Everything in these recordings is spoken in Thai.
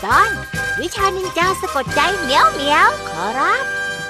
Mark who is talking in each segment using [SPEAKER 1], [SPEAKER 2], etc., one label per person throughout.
[SPEAKER 1] ตอนวิชานินจาสะกดใจเหมียวเหมียวขอรับ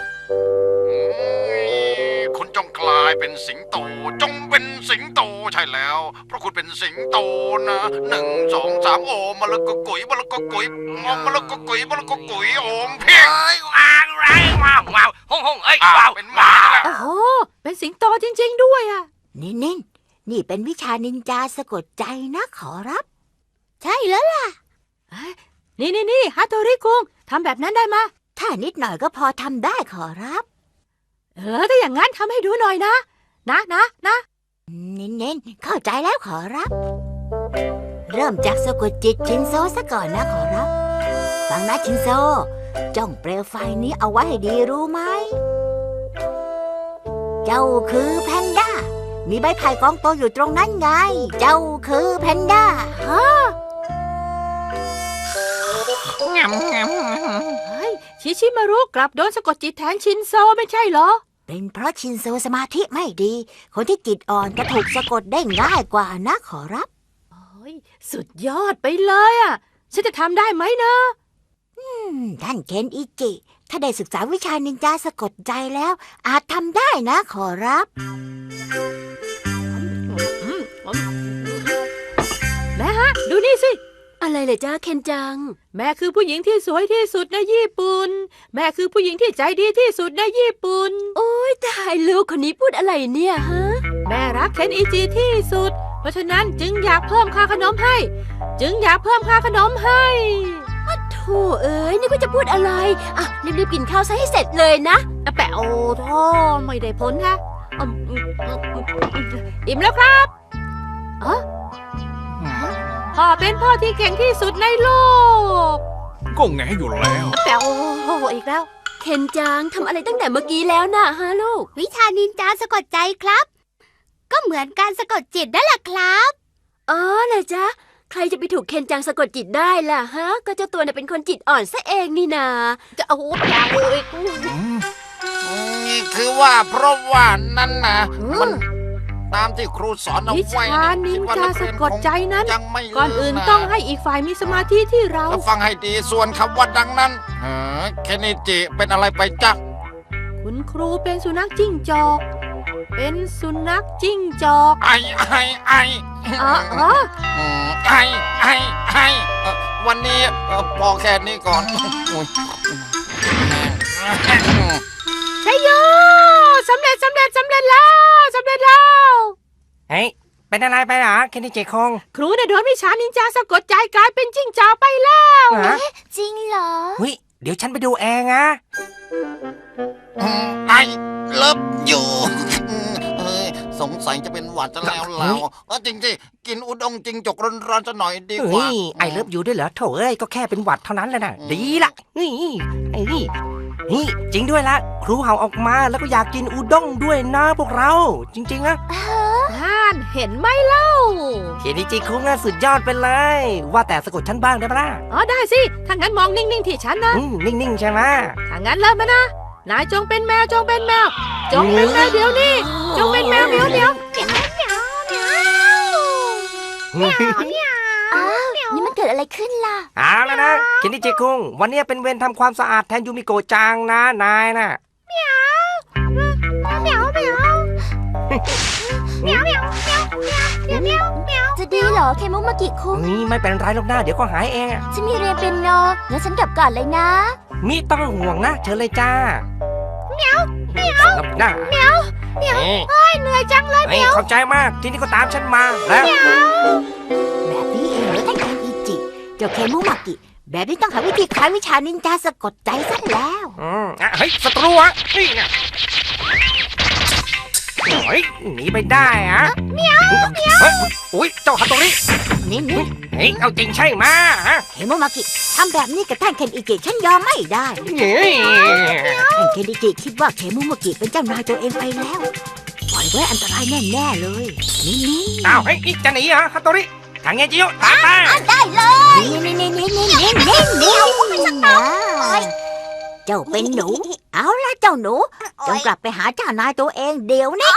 [SPEAKER 2] คุณจงกลายเป็นสิงโตจงเป็นสิงโตใช่แล้วเพราะคุณเป็นสิงโตนะ1 2 3โอมมะละกอกุ๋ยมะละกอกุ๋ยมะละกอกุ๋ยมะละกอกุ๋ยโอมเพียง
[SPEAKER 3] ว้าวว้าวห้องเอ้ยว้าว
[SPEAKER 2] เป็นหมาแล้ว
[SPEAKER 4] โอ้โหเป็นสิงโตจริงๆด้วยอ่ะ
[SPEAKER 1] นี่เป็นวิชานินจาสะกดใจนะขอรับใช่แล้วล่ะ
[SPEAKER 4] นี่ฮัตโตริคุงทำแบบนั้นได้มะ
[SPEAKER 1] ถ้านิดหน่อยก็พอทำได้ขอรับ
[SPEAKER 4] ถ้าอย่างนั้นทำให้ดูหน่อยนะ
[SPEAKER 1] เน้นเข้าใจแล้วขอรับเริ่มจากสะกดจิตชินโซซะก่อนนะขอรับฟังนะชินโซจ้องเปลวไฟนี้เอาไว้ให้ดีรู้ไหมเจ้าคือแพนด้ามีใบไผ่กองโตอยู่ตรงนั้นไงเจ้าคือแพนด้าฮะ
[SPEAKER 4] ชิมารุกลับโดนสะกดจิตแทนชินโซไม่ใช่เหรอ
[SPEAKER 1] เป็นเพราะชินโซสมาธิไม่ดีคนที่จิตอ่อนก็ถูกสะกดได้ง่ายกว่านะขอรับ
[SPEAKER 4] สุดยอดไปเลยอ่ะฉันจะทำได้ไหมนะ
[SPEAKER 1] ท่านเคนอิจิถ้าได้ศึกษาวิชานินจาสะกดใจแล้วอาจทำได้นะขอรับ
[SPEAKER 4] แม่ฮะดูนี่สิ
[SPEAKER 5] อะไรเลยจ้าเคนจัง
[SPEAKER 4] แม่คือผู้หญิงที่สวยที่สุดในญี่ปุ่นแม่คือผู้หญิงที่ใจดีที่สุดในญี่ปุ่น
[SPEAKER 5] โอ๊ยตายลูกคนนี้พูดอะไรเนี่ยฮะ
[SPEAKER 4] แม่รักเคนอิจิที่สุดเพราะฉะนั้นจึงอยากเพิ่มค่าขนมให้
[SPEAKER 5] โธ่เอ้ยนี่ก็จะพูดอะไรอ่ะรีบกินข้าวซะให้เสร็จเลยนะ
[SPEAKER 4] แปะโอ้ท่อไม่ได้ผลฮะอิ่มแล้วครับพ่อเป็นพ่อที่เก่งที่สุดในโลก
[SPEAKER 3] ก็แงอยู่แล้ว
[SPEAKER 4] แต่โอ้อีกแล้ว
[SPEAKER 5] เคนจังทำอะไรตั้งแต่เมื่อกี้แล้วนะฮะลูก
[SPEAKER 1] วิชานินจาสะกดใจครับก็เหมือนการสะกดจิตนั่นแหละครับ
[SPEAKER 5] อ๋อเหรอจ๊ะใครจะไปถูกเคนจังสะกดจิตได้ล่ะฮะก็เจ้าตัวน่ะเป็นคนจิตอ่อนซะเองนี่นา
[SPEAKER 4] จะเอาอย่าเลย
[SPEAKER 2] คือว่าเพราะว่านั่นนะมันตามที่ครูสอนเอาไว้
[SPEAKER 4] วิชานินจาสะกดใจนั้นก่อนอื่นต้องให้อีกฝ่ายมีสมาธิที่เรา
[SPEAKER 2] ฟังให้ดีส่วนคำว่าดังนั้นเคนอิจิเป็นอะไรไปจ๊ะ
[SPEAKER 4] คุณครูเป็นสุนัขจิ้งจอก
[SPEAKER 2] วันนี้พอแค่นี้ก่อน
[SPEAKER 4] ใช่โยสำเร็จแล้ว
[SPEAKER 3] เฮ้ยเป็นอะไรไปหรอเคนอิจิคง
[SPEAKER 4] ครูได้โดนวิชานินจาสะกดใจกลายเป็นจิ้งจอกไปแล้ว
[SPEAKER 1] จริงเหรอ
[SPEAKER 3] เดี๋ยวฉันไปดูเองนะ
[SPEAKER 2] ไอเลิฟอยู่สงสัยจะเป็นหวัดจะแล้วเราจริงสิกินอุด้งจริงจกร้อนๆจะหน่อยดีกว่า
[SPEAKER 3] ไอเลิฟอยู่ด้วยเหรอโถเอ้ยก็แค่เป็นหวัดเท่านั้นแหละนะดีละนี่จริงด้วยละครูเห่าออกมาแล้วก็อยากกินอุด้งด้วยนะพวกเราจริงๆนะ
[SPEAKER 4] เห็นไหมเล่า
[SPEAKER 3] เคนอิจิคุงน่ะสุดยอดไปเลยว่าแต่สะกดฉันบ้างได้ปะล่ะ
[SPEAKER 4] ได้สิถ้างั้นมองนิ่งๆที่ฉันนะ
[SPEAKER 3] นิ่งๆใช่ไหม
[SPEAKER 4] ถ้างั้นเริ่มมานะนายจงเป็นแมวเดี๋ยวนี้จงเป็นแมวเหมียว
[SPEAKER 5] นี่มันเกิดอะไรขึ้นล่ะ
[SPEAKER 3] เอาแล้วนะเคนอิจิคุงวันนี้เป็นเวรทำความสะอาดแทนยูมิโกะจังนะนายน่ะ
[SPEAKER 5] จะดีเหรอเคมุมากิคุง
[SPEAKER 3] ไม่เป็นไรหรอกนะเดี๋ยวก็หายเอง
[SPEAKER 5] ฉันมีเรียนเปียโนงั้นฉันกลับก่อนเลยนะ
[SPEAKER 3] มิต้องห่วงนะเชิญเลยจ้า
[SPEAKER 5] เหมียวเหนื่อยจังเลยเหมียว
[SPEAKER 3] ขอบใจมากทีนี้ก็ตามฉันมาแล้ว
[SPEAKER 1] แบบนี้เองเหรอท่านเคนอิจิเจ้าเคมุมากิแบบนี้ต้องหาวิธีคลายวิชานินจาสะกดใจซะแล้ว
[SPEAKER 3] เฮ้ยศัตรูอ่ะนี่ไงหนีไปได้อะ
[SPEAKER 5] เหมียว
[SPEAKER 3] อุ้ยเจ้าฮัตโตริ
[SPEAKER 1] นี่
[SPEAKER 3] เอาจริงใช่ไหม
[SPEAKER 1] เคมุมากิทำแบบนี้กับท่านเคนอิจิฉันยอมไม่ได้ท่านเคนอิจิคิดว่าเคมุมากิเป็นเจ้านายตัวเองไปแล้วปล่อยไว้อันตรายแน่เลยนี่
[SPEAKER 3] จะหนีเหรอฮัตโตริทางเงจิโยตามมา
[SPEAKER 5] ได้เลย
[SPEAKER 1] เจ้าเป็นหนูเอาละเจ้าหนูจงกลับไปหาเจ้านายตัวเองเดี๋ยวนี้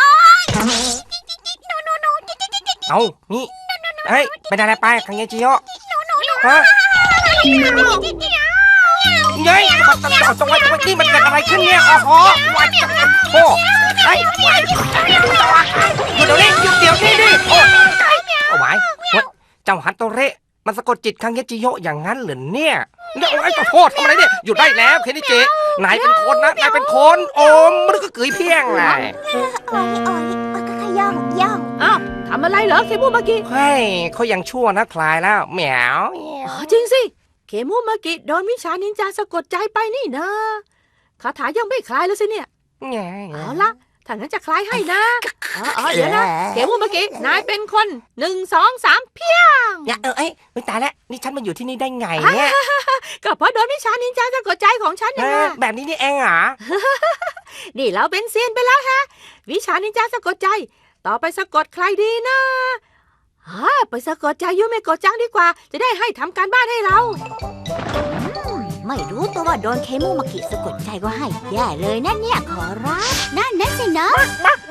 [SPEAKER 3] เอานี่เฮ้ยเป็นอะไรไปทางเงจิโยเย้ยตรงไว้นี่มันเกิดอะไรขึ้นเนี่ยโอ้โหวันโอ้ไอ้เดี๋ยวนี้หยุดเดี๋ยวนี้ดิโอ้เอาไว้เจ้าฮัตโตเระมันสะกดจิตคังเยจิโยะอย่างนั้นเหรอเนี่ยเนี่ยไอ้ขอโทษทำอะไรเนี่ยหยุดได้แล้วเคนนิจินายเป็นคนนะนายเป็นคนโอมมันก็เกยเพี้ยงไง
[SPEAKER 1] โอ้ยก็ย่องย่อง
[SPEAKER 4] อ้าวทำอะไรเหรอเคมูมากิ
[SPEAKER 3] เฮ้ยเขายังชั่วนะคลายแล้วแหมว
[SPEAKER 4] อ๋อจริงสิเคมูมากิโดนวิชานินจาสะกดใจไปนี่นะคาถายังไม่คลายแล้วสิเนี่ยเอาละถ้างั้นจะคลายให้นะเดี๋ยวนะเคมูมากินายเป็นคน1 2 3เพี้ยง
[SPEAKER 3] อย่าเอ้ยตายแล้วนี่ฉันมาอยู่ที่นี่ได้ไงเนี่ย
[SPEAKER 4] ก็เพราะโดนวิชานินจาสะกดใจของฉันยังไง
[SPEAKER 3] แบบนี้นี่เองเหรอ
[SPEAKER 4] นี่เราเป็นเซียนไปแล้วฮะวิชานินจาสะกดใจ ต่อไปสะกดใครดีนะไปสะกดใจยูเมโกะจังดีกว่า จะได้ให้ทำการบ้านให้เรา
[SPEAKER 1] ไม่รู้ตัวว่าโดนเคมูมากิสะกดใจก็ให้แย่เลยนะเนี่ยขอรับนั่นสินะ